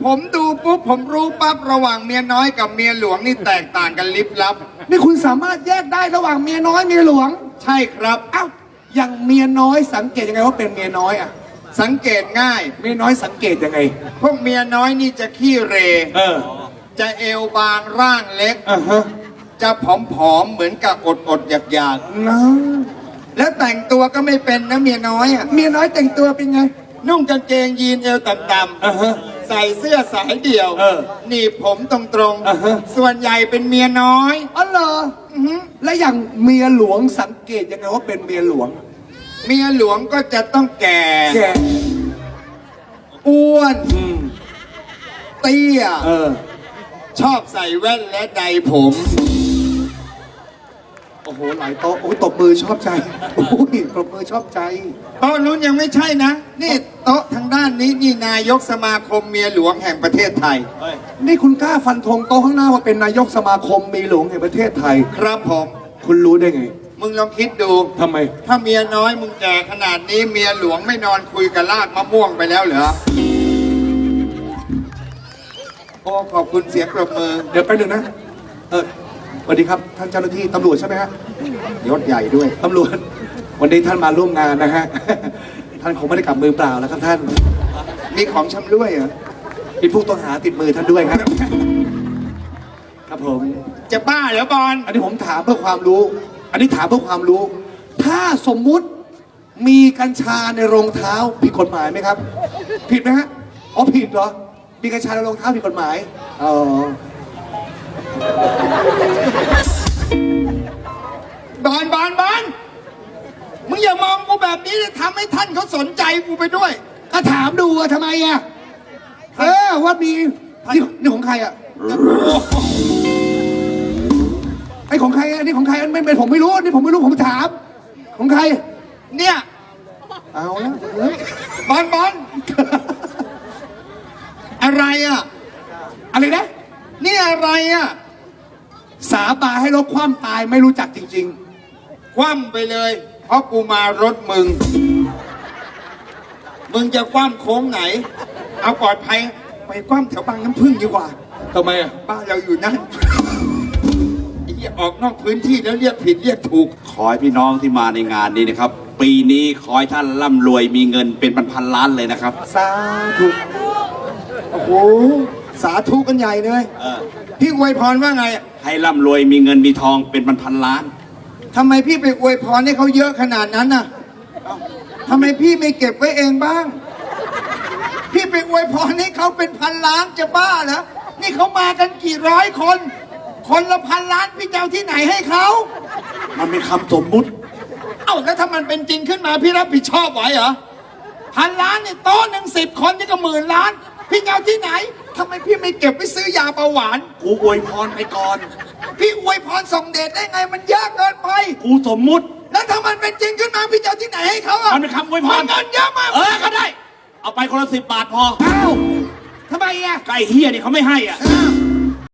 ผมดูปุ๊บผมรู้ปั๊บระหว่างเมียน้อยกับเมียหลวงนี่แตกต่างกันลิบลับนี่คุณสามารถแยกได้ระหว่างเมียน้อยเมียหลวงใช่ครับอ้าวอย่างเมียน้อยสังเกตยังไงว่าเป็นเมียน้อยอ่ะสังเกตง่ายเมียน้อยสังเกตยังไงพวกเมียน้อยนี่จะขี้เร จะเอวบางร่างเล็กฮะจะผอมๆเหมือนกับอดอยากนะๆแล้วแต่งตัวก็ไม่เป็นนะเมียน้อยอ่ะเมียน้อยแต่งตัวเป็นไงนุ่งกางเกงยีนเอวต่ำฮะๆใส่เสื้อสายเดี่ยว หนีบผมตรงอ่าฮะๆส่วนใหญ่เป็นเมียน้อยอ๋อเหรอและอย่างเมียหลวงสังเกตยังไงว่าเป็นเมียหลวงเมียหลวงก็จะต้องแก่แกอ้วนเตี้ยเออชอบใส่แว่นและใดผมโอ้โหหลายโต๊ะโอ้ยตบมือชอบใจโอ้ยตบมือชอบใจโต๊ะนู้นยังไม่ใช่นะ นี่โต๊ะทางด้านนี้นี่นายกสมาคมเมียหลวงแห่งประเทศไทยนี่คุณกล้าฟันธงโต๊ะข้างหน้าว่าเป็นนายกสมาคมเมียหลวงแห่งประเทศไทยครับผมคุณรู้ได้ไงมึงลองคิดดูทำไมถ้าเมียน้อยมึงแก่ขนาดนี้เมียหลวงไม่นอนคุยกับลากมะม่วงไปแล้วเหรอ โอ้ขอบคุณเสียงปรบมือเดี๋ยวไปหนึ่งนะ สวัสดีครับท่านเจ้าหน้าที่ตำรวจใช่ไหมฮะยศใหญ่ด้วยตำรวจ วันนี้ท่านมาร่วมงานนะฮะ ท่านคงไม่ได้กลับมือเปล่าแล้วครับท่านมีของชำร่วยเหรอมีผู้ต้องหาติดมือท่านด้วยครับ ครับผมจะบ้าเหรอบอลอันนี้ผมถามเพื่อความรู้ อันนี้ถามเพื่อความรู้ ถ้าสมมุติมีกัญชาในรองเท้าผิดกฎหมายไหมครับ ผิดไหมฮะ อ๋อผิดเหรอ มีกัญชาในรองเท้าผิดกฎหมาย อ๋อบอลมึงอย่ามองกูแบบนี้เลยทำให้ท่านเขาสนใจกูไปด้วยก็ถามดูอะทำไมอะว่ามีนี่ของใครอะไอของใครอะนี่ของใครไม่เป็นผมไม่รู้นี่ผมไม่รู้ผมถาม ของใครเนี่ยเอาแล้วบอลอะไรอ่ะอะไรนะนี่อะไรอ่ะสาบานให้ลดความตายไม่รู้จักจริงคว่ำไปเลย เพราะกูมารถมึง มึงจะคว่ำโค้งไหน เอาปลอดภัยไปคว่ำแถวบางน้ำพึ่งดีกว่าๆทำไมอะบ้านเราอยู่นั่นไอ้เหี้ยออกนอกพื้นที่แล้วเรียกผิดเรียกถูกขอให้พี่น้องที่มาในงานนี้นะครับ ปีนี้ขอให้ท่านร่ำรวยมีเงินเป็นพันๆล้านเลยนะครับสาธุโอ้โหสาธุกันใหญ่เลย พี่อวยพรว่าไงให้ร่ำรวยมีเงินมีทองเป็นพันๆล้านทำไมพี่ไปอวยพรให้เขาเยอะขนาดนั้นน่ะทำไมพี่ไม่เก็บไว้เองบ้าง พี่ไปอวยพรให้เขาเป็นพันล้านจะบ้าเหรอ นี่เขามากันกี่ร้อยคน คนละพันล้านพี่จะเอาที่ไหนให้เขามันเป็นคำสมมุติเอ้าแล้วถ้ามันเป็นจริงขึ้นมาพี่รับผิดชอบไหวเหรอพันล้านเนี่ยโต๊ะหนึ่ง10 คนนี่ก็10,000 ล้าน พี่จะเอาที่ไหนทำไมพี่ไม่เก็บไปซื้อยาเบาหวานกูอวยพรไปก่อนพี่อวยพรส่งเดชได้ไงมันยากเกินไปกูสมมุติแล้วถ้ามันเป็นจริงขึ้นมาพี่จะเอาที่ไหนให้เขาอ่ะมันเป็นคำอวยพรเงินเยอะมากก็ได้ เอาไปคนละ10 บาทพออ้าวทำไมอะไก่เฮียนี่เขาไม่ให้อ่ะอ้าว